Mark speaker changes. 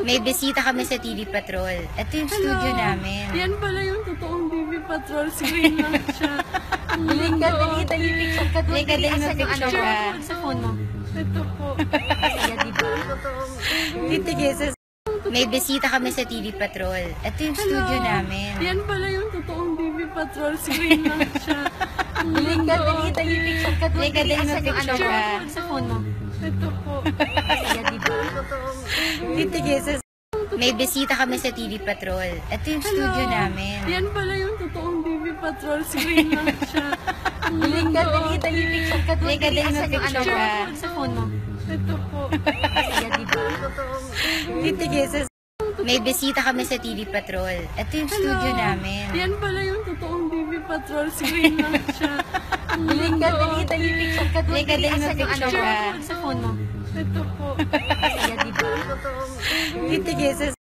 Speaker 1: May bisita kami sa TV Patrol. Ito yung studio namin.
Speaker 2: Yan pala yung totoong TV Patrol. Screen lang siya.
Speaker 1: Dali, dali, picture ka. Dali, dali, mag-picture ka.
Speaker 2: Sa phone mo. Ito po.
Speaker 1: Kaya, diba? Titigisa. May bisita kami sa TV Patrol. Ito yung studio namin.
Speaker 2: Yan pala yung totoong TV Patrol. Screen lang siya.
Speaker 1: Dali, dali, picture ka. Dali, dali, mag-picture ka.
Speaker 2: Sa phone mo. Ito po.
Speaker 1: Kaya, diba? Titigisa. May bisita kami sa TV Patrol. Ito yung studio namin.
Speaker 2: Yan pala yung totoong TV Patrol. Screen lang siya.
Speaker 1: Dali, dali, picture ka. Dali, dali, mag-picture ka.
Speaker 2: Sa phone mo. Ito po.
Speaker 1: Kaya, diba? Titigisa. May bisita kami sa TV Patrol. Ito yung studio namin.
Speaker 2: Yan pala yung totoong TV Patrol. Screen lang siya.
Speaker 1: Dali, dali, picture ka. Dali, dali, mag-picture ka.
Speaker 2: Sa phone mo. Ito po.
Speaker 1: Kaya, diba? Titigisa.